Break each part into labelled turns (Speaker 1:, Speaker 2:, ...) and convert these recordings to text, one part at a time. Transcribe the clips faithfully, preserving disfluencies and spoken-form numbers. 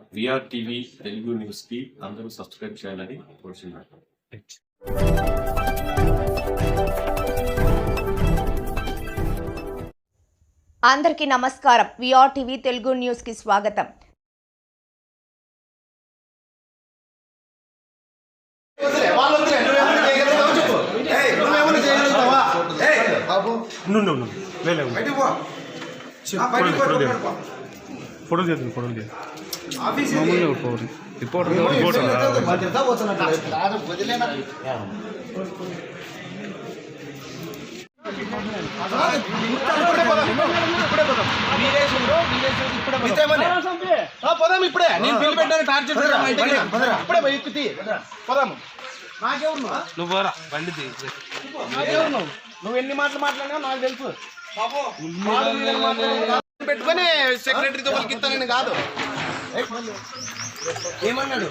Speaker 1: VR TV Telugu news కి అందరూ subscribe చేయాలని కోరుచున్నాను.
Speaker 2: అందరికీ నమస్కారం. విఆర్ టీవీ తెలుగు న్యూస్ కి స్వాగతం.
Speaker 3: ఫోటో చేద్దాం ఫోటో చేద్దాం మామూలుగా రిపోర్ట్ రిపోర్ట్
Speaker 4: పోదాం ఇప్పుడే నేను బిల్లు పెట్టాను టార్చర్ ఇప్పుడే ఎక్కుతి పోదాము. నాకెవరు
Speaker 3: నువ్వు బండి
Speaker 4: నాకెవరు నువ్వు నువ్వు ఎన్ని మాటలు మాట్లాడినా నాకు తెలుసు. పెట్టుకొని సెక్రటరీతో వాళ్ళకి ఇస్తానని కాదు. ఏమన్నాడు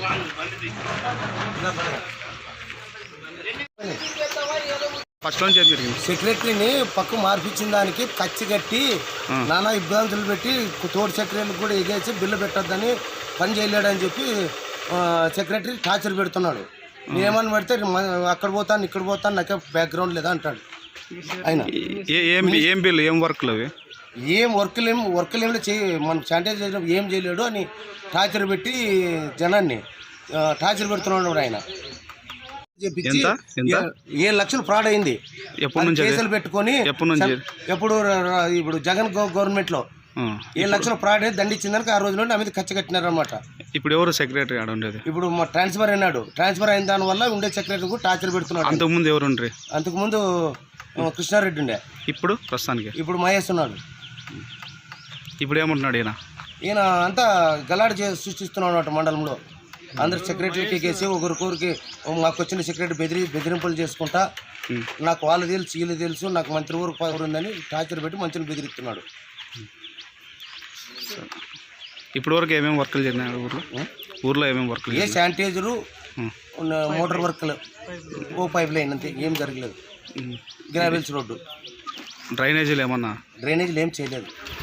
Speaker 3: ఫస్ట్ నుంచి జరిగింది.
Speaker 5: సెక్రటరీని పక్కు మార్పించిన దానికి కచ్చి కట్టి నానా ఇబ్బందులు పెట్టి తోడు సెక్రటరీని కూడా ఎగేసి బిల్లు పెట్టొద్దని పని చేయలేడని చెప్పి సెక్రటరీ టార్చర్ పెడుతున్నాడు. నేనేమని పెడితే అక్కడ పోతాను ఇక్కడ పోతాను నాకే బ్యాక్గ్రౌండ్ లేదా అంటాడు. ఆయన
Speaker 3: ఏం ఏం బిల్లు ఏం వర్క్లు అవి
Speaker 5: ఏం వర్క్లు ఏం వర్క్లు ఏమి చేయ మనం శానిటైజ్ చేసిన ఏం చేయలేడు అని టార్చర్ పెట్టి జనాన్ని టార్చర్ పెడుతున్నాడు. ఆయన ఏడు లక్షలు ఫ్రాడ్ అయింది. కేసులు పెట్టుకొని ఎప్పుడు ఇప్పుడు జగన్ గవర్నమెంట్ లో ఏడు లక్షలు ఫ్రాడ్ అయ్యి దండించిందానికి ఆ రోజులో నా మీద ఖర్చు కట్టినారనమాట.
Speaker 3: ఇప్పుడు ఎవరు సెక్రటరీ ఆడ ఉండేది?
Speaker 5: ఇప్పుడు మా ట్రాన్స్ఫర్ అయినాడు. ట్రాన్స్ఫర్ అయిన దాని వల్ల ఉండే సెక్రటరీ కూడా టార్చర్ పెడుతున్నాడు.
Speaker 3: అంతకుముందు ఎవరు ఉండ్రి?
Speaker 5: అంతకుముందు కృష్ణారెడ్డి ఉండే.
Speaker 3: ఇప్పుడు ప్రస్తుతానికి
Speaker 5: ఇప్పుడు మహేష్ ఉన్నాడు.
Speaker 3: ఇప్పుడు ఏమంటున్నాడు ఈయన?
Speaker 5: ఈయన అంతా గలాడ్ సృష్టిస్తున్నాడు అన్నమాట మండలంలో. అందరు సెక్రటరీకి కేసి ఒకరికొరికి మాకు వచ్చిన సెక్రటరీ బెదిరి బెదిరింపులు చేసుకుంటా నాకు వాళ్ళు తెలుసు వీళ్ళు తెలుసు నాకు మంత్రి ఊరు పవర్ ఉందని టార్చర్ పెట్టి మంచిని బెదిరిస్తున్నాడు.
Speaker 3: ఇప్పుడు వరకు ఏమేమి వర్కులు జరిగినాయి ఊర్లో? ఊర్లో ఏమేమి వర్కులు?
Speaker 5: ఏ శానిటైజరు మోటార్ వర్క్లు ఓ పైప్ లైన్ అంతే, ఏం జరగలేదు. గ్రావెల్స్ రోడ్డు
Speaker 3: డ్రైనేజీలు ఏమన్నా?
Speaker 5: డ్రైనేజీలు ఏం చేయలేదు.